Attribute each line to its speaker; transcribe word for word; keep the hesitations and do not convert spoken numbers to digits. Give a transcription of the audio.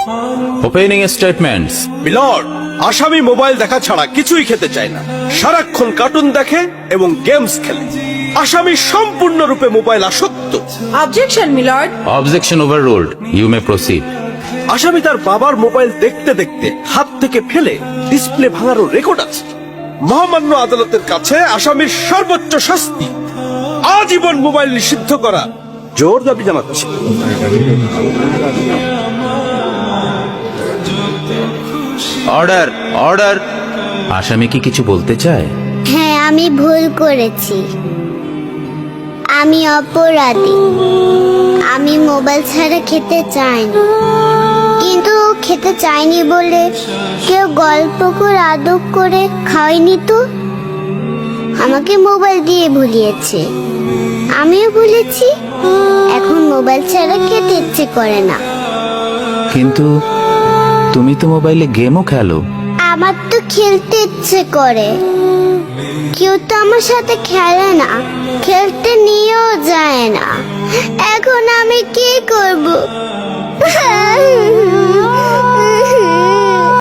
Speaker 1: Opening statements.
Speaker 2: Milord, আসামি mobile দেখা ছাড়া কিছুই খেতে চায় না, সারাক্ষণ কার্টুন দেখে এবং গেমস খেলে। আসামি সম্পূর্ণরূপে মোবাইল আসক্ত।
Speaker 3: Objection milord.
Speaker 1: Objection overruled, you may proceed.
Speaker 2: আসামি তার বাবার মোবাইল দেখতে দেখতে হাত থেকে ফেলে ডিসপ্লে ভাঙারও রেকর্ড আছে। মহামান্য আদালতের কাছে আসামির সর্বোচ্চ শাস্তি আজীবন মোবাইল নিষিদ্ধ করা জোর দাবি জানাচ্ছি।
Speaker 1: Order, order. আসামি কি কিছু বলতে চায়?
Speaker 4: হ্যাঁ, আমি ভুল করেছি, আমি অপরাধী। আমি মোবাইল ছাড়া খেতে চাইনি, কিন্তু খেতে চাইনি বলে কেউ গল্প করে আদব করে খাওয়াইনি তো। আমাকে মোবাইল দিয়ে ভুলিয়েছে, আমিও ভুলেছি। এখন মোবাইল ছাড়া খেতে ইচ্ছে করে না।
Speaker 1: কিন্তু তুমি তো মোবাইলে গেমও খেলো।
Speaker 4: আমার তো খেলতে ইচ্ছে করে, কেউ তো আমার সাথে খেলে না, খেলতে নিয়েও যায় না। এখন আমি কি করব?